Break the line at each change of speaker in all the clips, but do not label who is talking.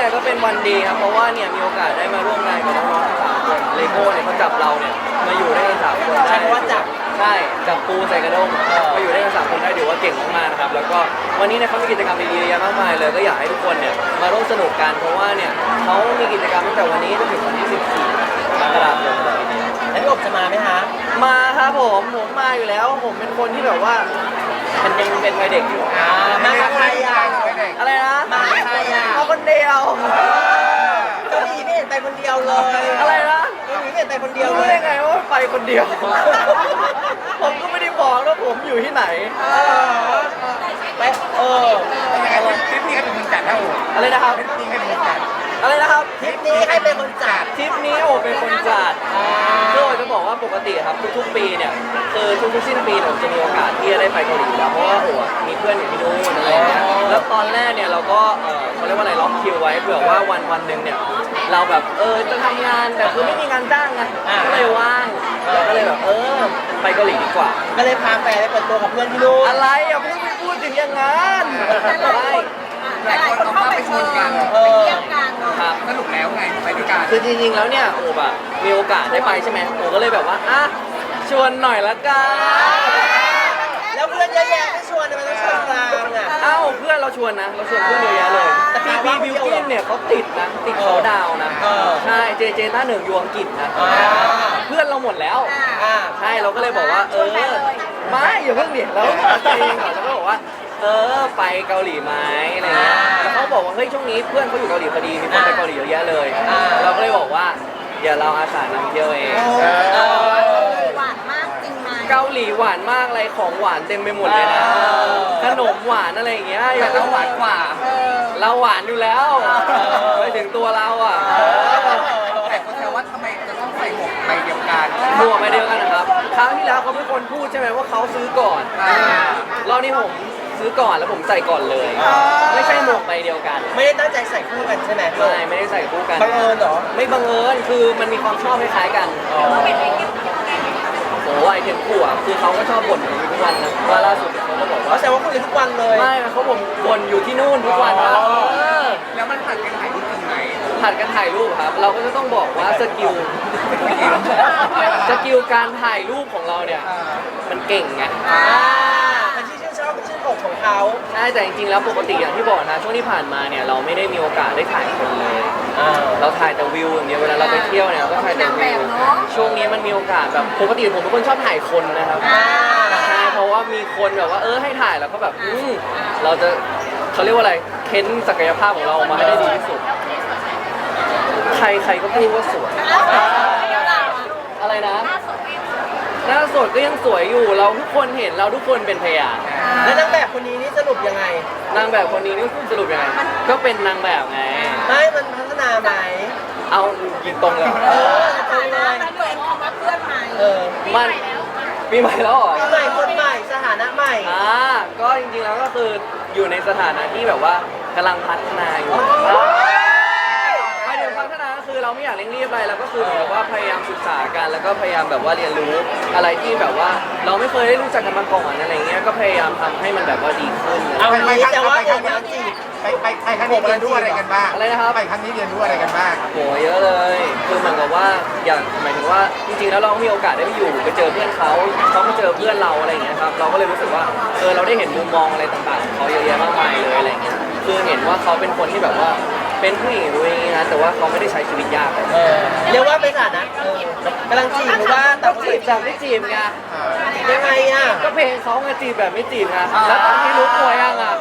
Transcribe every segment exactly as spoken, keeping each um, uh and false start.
ก็เป็นวันดีครับเพราะว่าเนี่ยมีโอกาสได้มาร่วมงานกับน้องๆทั้งสามคนเลโก้เนี่ยเขาจับเราเนี่ยมาอยู่ได้กันสามคนได้
ใช่เพราะว่าจับ
ใช่จับปูใส่กระด้งมาอยู่ได้กันสามคนได้ถือว่าเก่งมากๆนะครับแล้วก็วันนี้เนี่ยเขามีกิจกรรมดีๆเยอะมากมายเลยก็อยากให้ทุกคนเนี่ยมาร่วมสนุกกันเพราะว่าเนี่ยเขามีกิจกรรมตั้งแต่วันนี้จนถึงวันที่สิบสี่กรกฎาคมเลยทีเดียว
แล้วพี่อบจะมาไหมฮะ
มาครับผมผมมาอยู่แล้วผมเป็นคนที่แบบว่ามันยังเป็นวัยเด็กอยู่
อ่ามากับใครอ่ะ
อะไรนะ
มากับใครอ่ะ
มาคนเดียว
เกาหลีไม่เห็นไปคนเดียวเลย
อะไรนะ
เกาหลีไม่เห็นไปคนเดียว
รู้
เล
ได้
ย
ไงว่าไปคนเดียว ผมก็ไม่ได้บอกว่าผมอยู่ที่ไหน
ไปเออ
ทริปนี้ใครเป็นคนจัดนะโอ้
อะไรนะครับ
ทริปนี้ใครเป็นคนจัด
อะไรนะครับ
ทริปนี้ใครเป็นคนจัด
ทริปนี้โอเป็นคนจัดคือโอจะบอกว่าปกติครับทุกๆปีเนี่ยคือทุกๆสิ้นปีเนี่ยผมจะมีโอกาสที่จะได้ไปเกาหลีอยู่แล้วเพราะว่าโออะมีเพื่อนอยู่ที่นู่นอะไรอย่างเงี้ยแล้วตอนแรกเนี่ยเราก็เออเขาเรียกว่าอะไรล็อกคิวไว้เผื่อว่าวันวันหนึ่งเนี่ยเราแบบเออจะทำงานแต่คือไม่มีงานจ้างไงก็เลยว่างเราก็เลยแบบเออไปเกาหลีดีกว่า
ก็เลยพาแฟนไปเปิดตัวกับเพื่อนที่นู่น
อะไรอย่าเพิ่งไปพูดถึงอย่างนั้นไม่
หลายคนเอาภาพไปชนกัน
เออ
ครับ
สรุปแล้วไงไปด้วยกัน
คือจริงๆแล้วเนี่ยโอบอะมีโอกาสได้ไปใช่ไหมโอก็เลยแบบว่าอ่ะชวนหน่อยละกัน
แล้วเพื่อนเยอะแยะไม่ชวนทำไมต้องชวนกลางอ่ะ
เอ้าเพื่อนเราชวนนะเราชวนเพื่อนเยอะแยะเลยแต่พี่พีบิวกินเนี่ยเขาติดนะติดเขาดาวน์นะ
เออ
ใช่เจเจต้าเหนึ่งยวงกิจนะ
อ่า
เพื่อนเราหมดแล้ว
อ่า
ใช่เราก็เลยบอกว่าเออไม่อย่าเพิ่งเดี๋ยวเราจริงเราก็บอกว่าเออไปเกาหลีไหมอะไรเงี้ยแล้วเขาบอกว่าเฮ้ยช่วงนี้เพื่อนเขาอยู่เกาหลีพอดีมีคนไปเกาหลีเยอะแยะเลย เราก็เลยบอกว่าเดี๋ยวเราอาสานำเที่ยวเอง
เออ
หวานมากจริงไหม
เกาหลีหวานมากอะไรของหวานเต็มไปหมดเลยนะ
เออ
ขนมหวานอะไรอย่างเงี้ยอ
แต่
ย่าง
เราหวานกว่า
เออ
เราหวานอยู่แล้วไปถึงตัวเราอ่ะ
แต่คนแซวว่าทำไมจะต้องใส่หมวกใบเดียวกัน
หมวกไปเดียวกันนะครับครั้งที่แล้วเขาเป็นคนพูดใช่ไหมว่าเขาซื้อก่อน
อ่า
รอบนี้ผมซื้อก่อนแล้วผมใส่ก่อนเลย ไม่ใช่หมวกใบเดียวกัน
ไม่ได้ตั้งใจใส่คู่กันใช่ไหม
ไม่ไม่ได้ใส่คู่กัน
บังเอิญเหรอ
ไม่บังเอิญคือมันมีความชอบคล้ายๆกัน
อ๋อ
โอ้ไอเทมคู่อ่ะคือเขาก็ชอบบ่นอยู่ทุกวันนะว่าล่าสุดเขาก็บอก
เขา
ว่า
แซวว่าคุยกันทุกวันเลย
ไม่เขาผมบ่นอยู่ที่นู่นทุกวันว่าเออ
แล้วมันผ่านกันถ่ายรูปจริงไหม
ผัดกันถ่ายรูปครับ เราก็จะต้องบอกว่าสกิลสกิลการถ่ายรูปของเราเนี่ย
อ่า
มันเก่งไง
อ่าเป็นที่ชื่นชอบเป็นชื่นอกของเขา
ใช่แต่จริงๆแล้วปกติอย่างที่บอกนะช่วงที่ผ่านมาเนี่ยเราไม่ได้มีโอกาสได้ถ่ายคนเลย
อ่า
เราถ่ายแต่วิวอย่างเดียวเวลาเราไปเที่ยวเนี่ยเราก็ถ่ายแต่วิวช่วงนี้มันมีโอกาสแบบปกติผมเป็นคนชอบถ่ายคนนะครับ
อ่า
ใช่เพราะว่ามีคนแบบว่าเออให้ถ่ายแล้วก็แบบอืมเราจะเขาเรียกว่าอะไรเค้นศักยภาพของเราออกมาให้ได้ดีที่สุด ใครใครก็พูดว่าสวย อะไรนะ หน้าสดก็ยังสวยอยู่ เราทุกคนเห็นเราทุกคนเป็นพยาน
แล้วนางแบบคนนี้นี่สรุปยังไง
นางแบบคนนี้นี่สรุปยังไง ก็เป็นนางแบบไง
ไม่มันพัฒนาไหม
เอายิงตรงเลย
เออตรงเลย
มันเหมือนคำว่าเพื่อนใหม่
เออ
มันปีใหม่แล้วเหรอ
ปีใหม่คนใหม่สถานะใหม่
อ่าก็จริงๆแล้วก็คืออยู่ในสถานะที่แบบว่ากำลังพัฒนาอยู่หมายถึงพัฒนาก็คือเราไม่อยากเร่งรีบอะไรเราก็คือเหมือนกับว่าพยายามศึกษากันแล้วก็พยายามแบบว่าเรียนรู้อะไรที่แบบว่าเราไม่เคยได้รู้จักกันมาก่อนอะไรเงี้ยก็พยายามทำให้มันแบบว่าดีขึ้น
เอา
ไป
งี้แต่ว่า
ไป
ผ
ครั้
ม
งนี้
กำลังจีบ
ไปไปไปครั้งนี้เรียนรู้อะไรกันบ้าง
อะไรนะครับ
ไปครั้งนี้เรียนรู้อะไรกันบ้าง
โหเยอะเลย คือเหมือนกับว่าอย่างหมายถึงว่าจริงๆแล้วเรามีโอกาสได้ไปอยู่ไปเจอเพื่อนเขาเขามาเจอเพื่อนเราอะไรอย่างเงี้ยครับเราก็เลยรู้สึกว่าเออเราได้เห็นมุมมองอะไรต่างๆของเขาเยอะแยะมากมายเลยอะไรเงี้ยคือเห็นว่าเขาเป็นคนที่แบบว่าเป็นผู้หญิงด้วยนะแต่ว่าเขาไม่ได้ใช้ชีวิตยากเลย
เออเรียกว่าเป็นสถานะเออกำลังจีบหรือว่า
ก็
แต่
จีบแบบไม่จีบไง
ยังไงอ่ะ
ก็เพลงเขาไงจีบแบบไม่จีบไงแล้วตอนที่รู้ตัวยังอ่ะ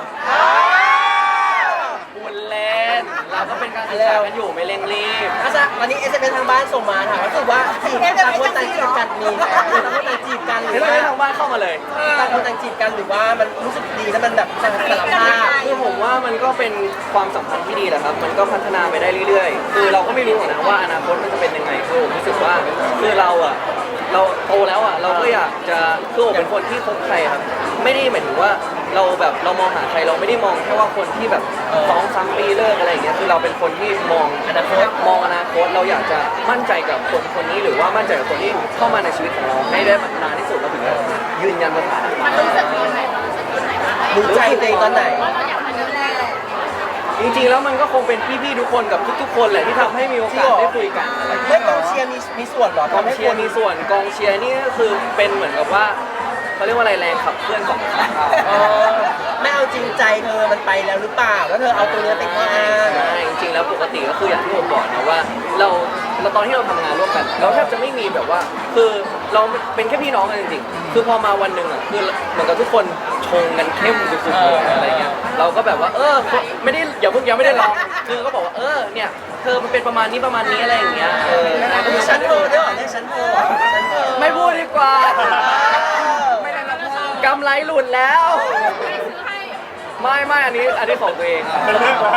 บุญเล่นเราก็เป็นการศึกษากันอยู่ไม่เร่งรีบ
อาซะวันนี้เอสเอ็มทางบ้านส่งมาถามว่ารู้สึกว่าจีบต่างคนต่างจีบกันมีต่างคนต่างจีบกันหรื
เห็น
อ
ไหม
ว่า
ทางบ้านเข้ามาเลย
ต่างคนต่างจีบกันหรือว่ามันรู้สึกดีแล้วมันแบบสารภาพ
คือผมว่ามันก็เป็นความสัมพันธ์ที่ดีแหละครับ มันก็พัฒนาไปได้เรื่อยๆ คือเราก็ไม่รู้หรอกนะว่าอนาคตมันจะเป็นยังไงคือผมรู้สึกว่าคือเราอะเราโตแล้วอะเราก็อยากจะคือผมเป็นคนที่คบใครครับ ไม่ได้หมายถึงว่าเราแบบเรามองหาใครเราไม่ได้มองแค่ว่าคนที่แบบสองสามปีเลิกอะไรอย่างเงี้ย คือเราเป็นคนที่มองอนาคตมองอนาคตเราอยากจะมั่นใจกับคนคนนี้หรือว่ามั่นใจกับคนที่เข้ามาในชีวิตของเราให้ได้นานที่สุดเราถึงจะยืนยันสถานะ
มันรู้สึกยังไง
รู้ใจตัวเองตอนไหน
ว่าเราอยากมาดูแล
จจริงๆแล้วมันก็คงเป็นพี่ๆทุกคนกับทุกๆคนแหละที่ทำให้มีโอกาสได้คุยกันอะไรอย่างเงี้ย
ไม่กองเชียร์มีมีส่วนเหรอก
องเชียร์มีส่วนกองเชียร์นี่ก็คือเป็นเหมือนกับว่าเขาเรียกว่าอะไรแรงขับเคลื่อนของเขา
เออไม่เอาจริงใจเธอมันไปแล้วหรือเปล่าแล้วเธอเอาตัวเนี้ยเป็นข้ออ้าง
ใช่จริงๆแล้วปกติก็คืออย่างที่ผมบอกนะว่าเราเราตอนที่เราทำงานร่วมกันเราแทบจะไม่มีแบบว่า คือเราเป็นแค่พี่น้องกันจริงๆคือพอมาวันหนึ่งอ่ะคือเหมือนกับทุกคนชงกันเข้มสุดๆเลยอะไรเงี้ยเราก็แบบว่าเออไม่ได้อย่าเพิ่งยังไม่ได้ลองคือก็บอกว่าเออเนี่ยเธอมันเป็นประมาณนี้ประมาณนี้อะไรอย่างเงี้ยเออ
มีชั้นโทรด้วยเหรอเรียกชั้นโทรเหรอชั้นโทร
ไม่พูดดีกว่า
ไม่ได้รับเพิ่ม
กำไรหลุดแล้ว ไม่ไม่อันนี้อันนี้ของตัวเอง
เป็นเรื่องของ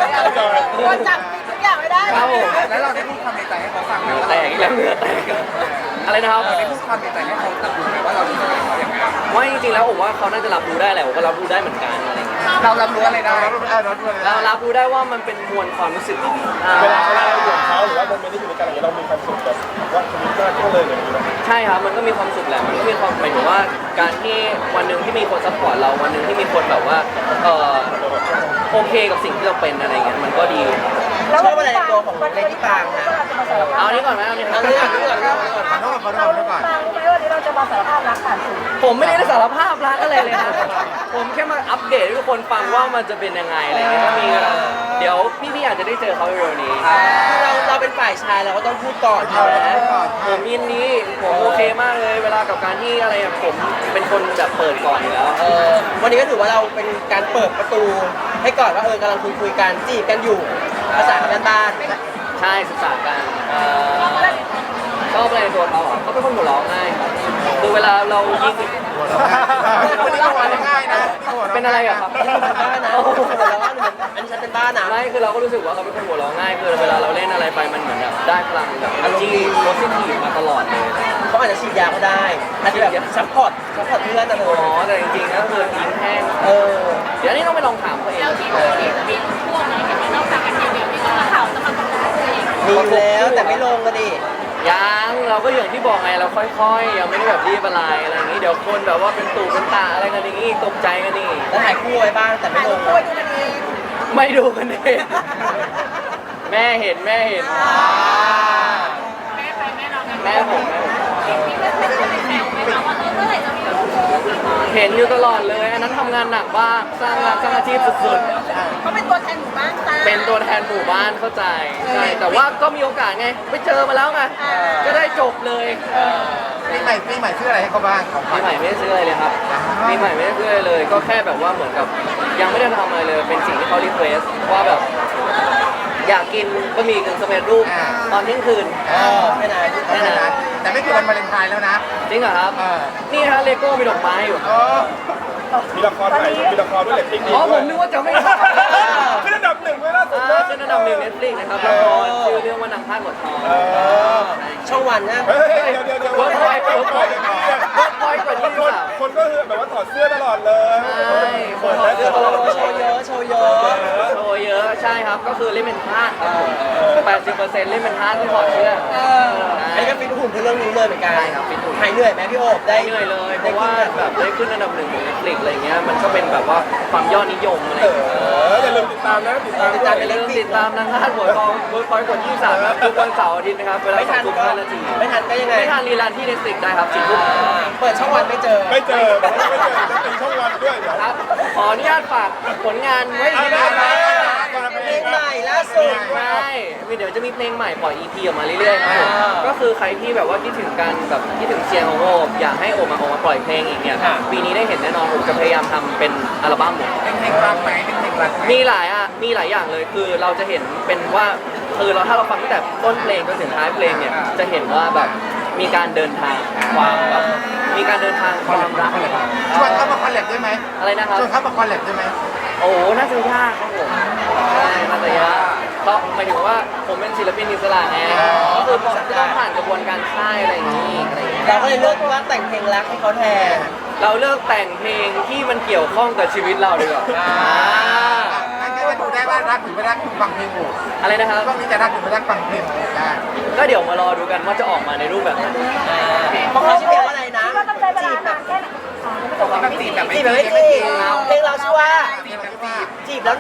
คนจับผิดทุกอย่างไม่ได้
ครับผม
แล้วเราได้พูดความในใจให้เขาฟังไหม
เหงื่อ
ว่า
แตกอีกแล้วเหงื่อแตกอะไรนะครับ
เราได้พูดความในใจให้เขารับรู้ไหมว่าเรารู้สึกกับเขาอย่างไร
ว่าจริงๆแล้วผมว่าเขาน่าจะรับรู้ได้แหละผมก็รับรู้ได้เหมือนกันอะไรเงี้ย
เรารับรู้อะไรได้
เรารับรู้ได้ว่ามันเป็นมวลความรู้สึกดีๆอ่า
เวลาเวลาเราอยู่กับเขาหรือว่าโมเมนต์ที่อยู่ด้วยกันอะไรเงี้ยเรามีความสุขแบบว่าชีวิตมากขึ้นเลยอย่างนี้ไหม
ใช่ครับมันก็มีความสุขแหละมันก็มีความหมายถึงว่าการที่วันหนึ่งที่มีคนซัพพอร์ตเราวันหนึ่งที่มีคนแบบว่าเออโอเคกับสิ่งที่เราเป็นอะไรเงี้ยมันก็ดี
ชอบอะไรในตัวของเลดี้ปางฮะ
เอาอันนี้ก่อนไหมเอาอันนี้
เอาเรื่องนี้ก่อนเรื่องนี้ก่อน
ขอโทษขอโทษขอโทษก่อน
ฟังไหมวันนี้เราจะมาสารภาพรักผ่านสื่อ
ผมไม่ได้สารภาพรักอะไรเลยนะผมแค่มาอัปเดตให้ทุกคนฟังว่ามันจะเป็นยังไงอะไรเงี้ยถ้ามีก็เดี๋ยวพี่ๆอาจจะได้เจอเขาเร็วๆนี้
คือเราเราเป็นฝ่ายชายเราก็ต้องพูดก่อนใช่ไหม
ผมยินดีผมโอเคมากเลยเวลากับการที่อะไรอะผมเป็นคนแบบเปิดก่อนอยู่แล้ว
เออวันนี้ก็ถือว่าเราเป็นการเปิดประตูให้ก่อนว่าเออกำลังคุยคุยๆกันจีบกันอยู่ภาษากันบ้าน
ใช่ศึกษากันเอ่อชอบอะไรในตัวเขาอ่ะเขาเป็นคนหัวเราะง่ายครับคือเวลาเรายิง
คนนี้ก็หัวเราะง่ายนะ
เป็นอะไรอะครับ
เป็นบ้านนะแต่ว่าอันนี้ฉันเป็นบ้านนะ
ไม่คือเราก็รู้สึกว่าเขาเป็นคนหัวเราะง่ายคือเวลาเราเล่นอะไรไปมันเหมือนแบบได้พลังแบบอารมณ์โพสิทีฟมาตลอดเลย
เขาอาจจะฉีดยาก็ได้อาจจะแบบซัพพอร์ตซัพพอร์ตเพื่อนนะเธ
อ๋อ
อ
แต่จริงๆก็คือยิงแห้ง
เออ
เดี๋ยวนี้ต้องไปลองถามเขาเอง
แล้วที่เรามีมีช่วงไหนเห็นไหมนอกจากกันเดียวๆที่ต้องมาข่าวจะมาประกาศตัวเอง
มีอยู่แล้วแต่ไม่ลงกันดิ
ยังเราก็อย่างที่บอกไงเราค่อยๆยังไม่ได้แบบรีบอะไรอะไรอย่างนี้เดี๋ยวคนแบบว่าเป็นตู่เป็นตาอะไรกันอย่างนี้ตกใจกันนี่
แล้วถ่ายคู่ไว้บ้างแต่ไม่
ถ่าย
ล
รู
ง
ปด้วยดูกันเอง
ไม่ดูกันเองแม่เห็นแม่เห็น
แม่ใครแม่เรากัน
แม่ผมแม่ผม
มีเพื่อนไม่ได้ไปแซวไหมคะว่าเออเมื่อไหร่จะมีลูกคู่พี่บอย
เห็นอยู่ตลอดเลยอันนั้นทำงานหนักมากสร้างงานสร้างอาชีพสุด
เขาเป็นตัวแทนหมู่บ้านจ้า
ๆเป็นตัวแทนหมู่บ้านเข้าใจใช่แต่ว่าก็มีโอกาสไงไปเจอมาแล้วไงก็ได้จบเลย
ปีใหม่ปีใหม่ซื้ออะไรให้เขาบ้างของข
ปี
วัญ
ใหม่ไม่ได้ซื้ออะไรเลยครับปีใหม่ไม่ได้ซื้ออะไรเลย ก็แค่แบบว่าเหมือนกับยังไม่ได้ทำอะไรเลยเป็นสิ่งที่เขารีเควสว่าแบบ อยากกินบะหมี่กึ่งสำเร็จรูปตอนเที่ยงคืน
เออแค่นั้น
แค่นั้นแต่ไม่คือวันวาเลนไทน์แล้วนะ
จริงเหรอครับ
เออ
นี่ฮะเลโก้มีดอกไม้อยู่
เออมีละครใหม่มีละครด้วยเหล็กพริกดี
อ๋อผ
ด้วย
มนึกว่าจะไม่ทำ
ขึ้นอันดับหนึ่งไว้ล่าสุด
อ่า
นะ
ขึ้นอันดับหนึ่งเน็ตฟลิกนะครับละครชื่อเรื่องว่านางพาดหัวทอง
เออ
ช่องวันนะ
เฮ้ยเดี๋ยวเดี๋ยวเดี๋ยว
เวิร์กพอยต์เวิร์กพอยต์ เวิร์กพอยต์กว่ายี่สิบ
คน
สาม
คนก็คือแบบว่าถอดเสื้อตลอดเลย
ใช่คนถอดเสื้อตลอด
โชว์เยอะโชว์เยอะ
โชว์เยอะใช่ครับก็คือเล่นเป็นพาดครับผมแปดสิบเปอร์เซ็นต์เล่นเป็นพาดที่ถอดเสื้อ
อันนี้ก็ฟิตหุ่นเพื่อเรื่องนี้เลยเหมือนกัน
ใช่ครับฟิตหุ่น
หายเหนื่อยไหมพี่โอบได้
ได้เหนื่อยเลยเพราะว่าแบบได้ขึ้นอันดับหนึ่งของเน็ตฟลิกอะไรเงี้ยมันก็เป็นแบบว่าความยอดนิยมอะไร
เอ
เงี้ย
ออย่าลืมติดตามนะติดตาม
ติดตามไป
อย่า
เรื่
ลื
อง
ม
ติ
ติ
ด
ดตามนางพาดหัวทองเวิร์กพอยต์กดยี่สิบสามครับทุกวันเสาร์อาทิตย์นะครับเวลา
ไม่
สอ
ทั
ง
น
ทุ่ม
ก็
ห้านาที
ไม่ทันก็ยังไง
ไม่ทันรีลันที่เน็ตฟลิกได้ครับสี่ทุ่ม
เปิดช่องวันไม่เจอ
ไม่เจอไม่เจอจะตีช่องวันด้วยเดี๋ยว
ครับขออนุญาตฝากผลงานไว้
เอา
ที่
ได้
นี่
ได้
นะ
ได้
เพลงใหม่ล่าสุด
ใช่มีเดี๋ยวจะมีเพลงใหม่ปล่อย อี พี ออกมาเรื่อยๆครับผม
อ่า
ก็คือใครที่แบบว่าคิดถึงกันแบบคิดถึงเสียงของโอบอยากให้โอบมาออกมาปล่อยเพลงอีกเนี่ย
ค่ะ
ปีนี้ได้เห็นแน่นอนผมจะพยายามทำเป็นอัลบั้มเลย
เป็นเพลงรักไหมเป็นเพลงรักไหม
มีหลายอ่ะมีหลายอย่างเลยคือเราจะเห็นเป็นว่าคือเราถ้าเราฟังตั้งแต่ต้นเพลงจนถึงท้ายเพลงเนี่ยจะเห็นว่าแบบมีการเดินทางความแบบมีการเดินทางความรัก
ชวนเขามาคอลแลบด้วยไหม
อะไรนะครับ
ชวนเขามาคอลแลบด้วยไหม
โอ้โหน่าจะยากครับผมใช่น่าจะยากเพราะหมายถึงว่าผมเป็นศิลปินอิสระไงก็คือผมจะต้องผ่านกระบวนการค่ายอะไรอย่างนี้อะไรอย่างนี้
เราก็เลยเลือกว่าแต่งเพลงรักให้เขาแทน
เราเลิกแต่งเพลงที่มันเกี่ยวข้องกับชีวิตเราดีกว่า
อ่า
งั้นก็จะดูได้ว่ารักหรือไม่รักฟังเพลงโอ้
อะไรนะครับ
ก็มีจะรักหรือไม่รักฟังเพลงโอ้ได้
ก็เดี๋ยวมารอดูกันว่าจะออกมาในรูปแบบไหน
เพราะเขาชื่อเพลงว่าอะไรนะ
คิดว่าต้องใช้เวลานานแค่ไหน
ต้องจีบแบบไม่
จีบแบบ
จี
ไม่
บ
จีบเพลงเราชื่อว่า
จีบแบบจีบ
จีบแล้วนะ
โ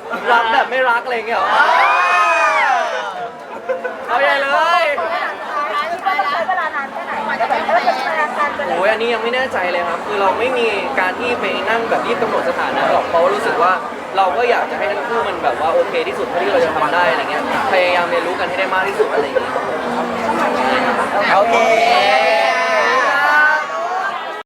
รักแบบไม่รักอะไรอย่างเงี้ยเหรอเอาใหญ่เลย
สุดท้ายแล้วเวลานานแค่ไหนกว่าจะเป็นแฟน
โอ้ยอันนี้ยังไม่แน่ใจเลยครับ คือเราไม่มีการที่ไปนั่งแบบรีบกำหนดสถานะหรอกเพราะว่ารู้สึกว่าเราก็อยากจะให้ทั้งคู่มันแบบว่าโอเคที่สุดเท่าที่เราจะทำได้อะไรเงี้ยพยายามเรียนรู้กันให้ได้มากที่สุดอะไรอย่างเงี้ย
โอเค